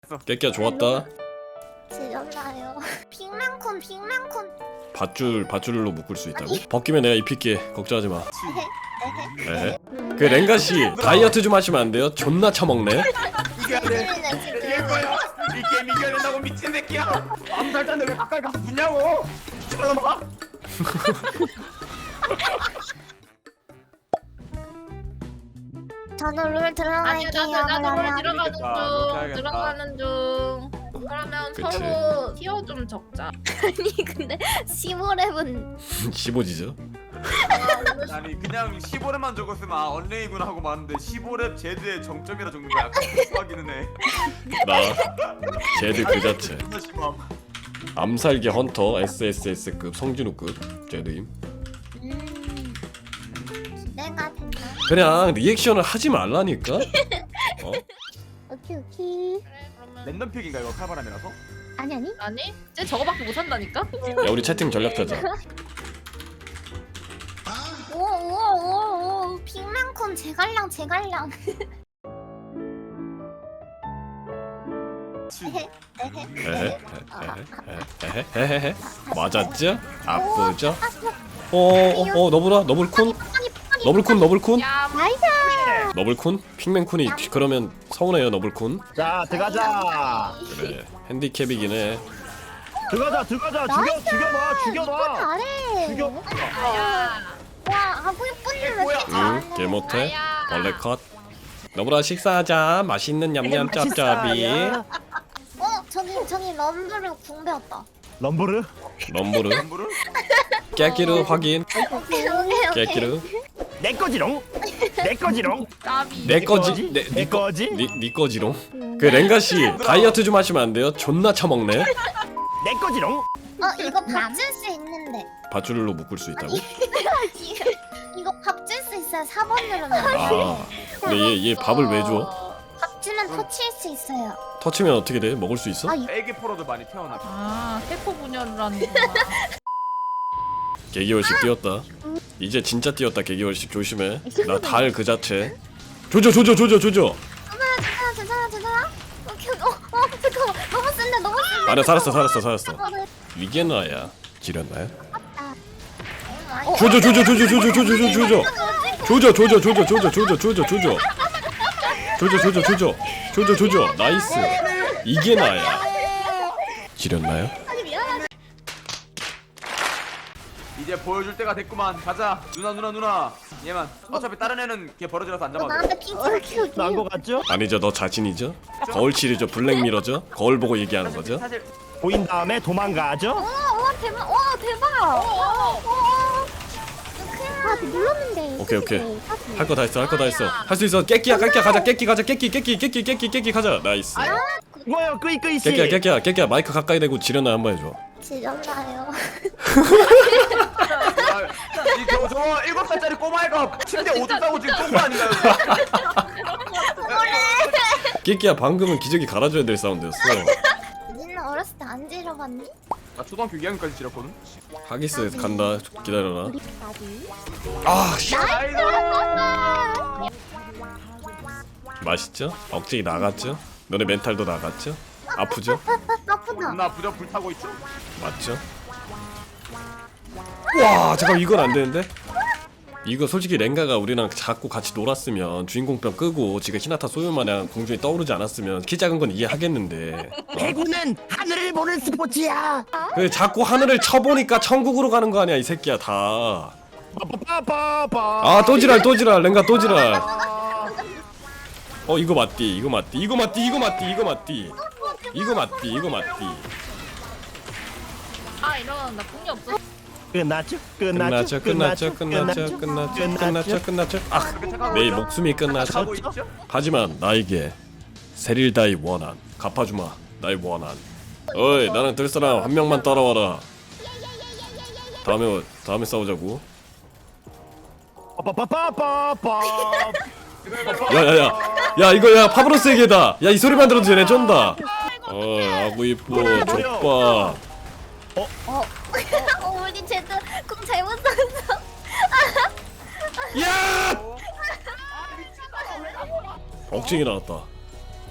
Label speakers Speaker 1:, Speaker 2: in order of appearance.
Speaker 1: 깨끼야 좋았다.
Speaker 2: 지렸나요? 빅맨콘.
Speaker 1: 밧줄로 묶을 수 있다고? 벗기면 내가 입힐게. 걱정하지 마. 네. 그 랭가 씨 다이어트 좀 하시면 안 돼요? 존나 처먹네.
Speaker 3: 이겨야 돼. 이길 거야. 이 게임 이겨야 된다고 미친 새끼야. 암살자인데 왜 가까이 가서 붙냐고. 쳐다봐.
Speaker 2: 저는 룰
Speaker 4: 아니
Speaker 2: 들어갈게요.
Speaker 4: 나도 뭘
Speaker 2: 그러면.
Speaker 4: 들어가는 중. 그러면
Speaker 1: 그치.
Speaker 4: 서로 티어 좀 적자.
Speaker 2: 아니 근데 15렙은
Speaker 1: 15지죠?
Speaker 3: 아니 그냥 15렙만 적었으면 아 언레이구나 하고 마는데 15렙 제드의 정점이라 적는 거야. 수학이는 해.
Speaker 1: 나 제드 그 자체.
Speaker 3: 존나 심함.
Speaker 1: 암살기 헌터 SSS급 성진우급 제드임.
Speaker 2: 내가 된다.
Speaker 1: 그냥 리액션을 하지 말라니까.
Speaker 2: 오케이.
Speaker 4: 그래 그러면
Speaker 3: 랜덤 픽인가 이거 칼바람이라서?
Speaker 2: 아니.
Speaker 4: 아니 쟤 저거밖에 못한다니까.
Speaker 1: 야 우리 채팅 전략 짜자.
Speaker 2: 오. 빅맨콘 제갈량.
Speaker 1: 에헤헤헤헤헤헤헤헤헤 맞았죠? 아프죠? 너브라 너블쿤 너블쿤
Speaker 4: 야
Speaker 2: 나이스.
Speaker 1: 너블쿤 핑맨쿤이 그러면 서운해요 너블쿤.
Speaker 5: 자 들어가자
Speaker 1: 그래 핸디캡이긴 해.
Speaker 5: 들어가자 죽여봐
Speaker 2: 잘해.
Speaker 5: 죽여봐
Speaker 4: 야.
Speaker 2: 와 하고 예쁜데 왜
Speaker 3: 뭐야?
Speaker 2: 이렇게
Speaker 1: 응
Speaker 2: 잘해?
Speaker 1: 개못해. 벌레 컷. 너브라 식사하자. 맛있는 냠냠 짭짭이.
Speaker 2: 저기 럼블을 궁배웠다.
Speaker 5: 럼브르
Speaker 1: 럼브르
Speaker 3: 럼블을?
Speaker 1: 깨끼르 확인.
Speaker 2: 오케이.
Speaker 1: 깨끼르
Speaker 5: 내 거지롱
Speaker 4: 까비.
Speaker 1: 내 거지
Speaker 5: 내 거지
Speaker 1: 니 거지롱. 그 랭가 씨 다이어트 좀 하시면 안 돼요? 존나 처먹네.
Speaker 5: 내 거지롱
Speaker 2: 이거 밥 줄 수 있는데.
Speaker 1: 밧줄로 묶을 수 있다고?
Speaker 2: 이거 밥 줄 수 있어요. 4번 누르면.
Speaker 1: 아 근데 얘 밥을 왜 줘?
Speaker 2: 밥 주면 터치할 수 있어요.
Speaker 1: 터치면 어떻게 돼? 먹을 수 있어?
Speaker 3: 애기 포로도 많이 태어나.
Speaker 4: 아 세포 분열을 하는구나.
Speaker 1: 개기월식 뛰었다. 이제 진짜 뛰었다. 개기월식 조심해. 나 달 그 자체. 조져.
Speaker 2: 괜찮아. 오케이. 잠깐만. 너무 센데.
Speaker 1: 아니야 살았어. 이게 나야. 지렸나요? 조져. 나이스. 이게 나야. 지렸나요?
Speaker 3: 이제 보여줄 때가 됐구만. 가자. 누나. 얘만. 어차피 다른 애는 걔 버려지라서 안 잡아도 돼.
Speaker 2: 나한테 핑크.
Speaker 5: 난 거 같죠?
Speaker 1: 아니죠. 너 자신이죠? 거울칠이죠. 블랙미러죠? 거울 보고 얘기하는 거죠?
Speaker 3: 사실
Speaker 5: 보인 다음에 도망가죠?
Speaker 2: 와 대박. 아 눌렀는데.
Speaker 1: 오케이. 할 거 다 했어. 할 수 있어. 깨끼야 가자. 깨끼 가자. 나이스.
Speaker 5: 뭐야 끄이씨
Speaker 1: 깨끼야 마이크 가까이 대고 지렸나 한번 해줘.
Speaker 2: 지렸나요?
Speaker 3: 저 7살짜리 꼬마애가 침대 오줌 싸고 지금 똥거 아닌가요?
Speaker 1: 깨끼야 방금은 기저귀 갈아줘야 될 사운드였어.
Speaker 2: 니는 어렸을 때 안 지려봤니?
Speaker 3: 나 초등학교 2학년까지 지렸거든.
Speaker 1: 하기스 간다. 기다려라.
Speaker 2: 나비.
Speaker 1: 아 씨.
Speaker 3: 나이스.
Speaker 1: 맛있죠? 억제기 나갔죠? 너네 멘탈도 나갔죠? 아프죠?
Speaker 2: 아프다.
Speaker 3: 누나 부적 불타고 있죠?
Speaker 1: 맞죠? 와 잠깐 이건 안 되는데? 이거 솔직히 랭가가 우리랑 자꾸 같이 놀았으면 주인공병 끄고 지금 히나타 소유마냥 공중에 떠오르지 않았으면 키 작은 건 이해하겠는데
Speaker 5: 배구는 하늘을 보는 스포츠야
Speaker 1: 그 자꾸 하늘을 쳐보니까 천국으로 가는 거 아니야 이 새끼야 다.
Speaker 5: 빠빠빠빠
Speaker 1: 아 또 지랄 랭가 또 지랄. 이거 맞디
Speaker 4: 아 이런 나 궁이 없어.
Speaker 5: 끝났죠?
Speaker 1: 아 내 목숨이 끝났죠?
Speaker 3: 가고 있죠?
Speaker 1: 하지만 나에게 세릴다이 원한 갚아주마. 나의 원한. 어이 나랑 들 사람 한 명만 따라와라. 다음에 싸우자고.
Speaker 5: 빠빠빠빠빠
Speaker 1: 야 이거 야 파브로스에게다. 야 이 소리만 들어도 쟤네 쫀다. 아구 이뻐 족봐.
Speaker 2: 우리 쟤도 공 잘못 썼어.
Speaker 1: 야! 억증이 나왔다.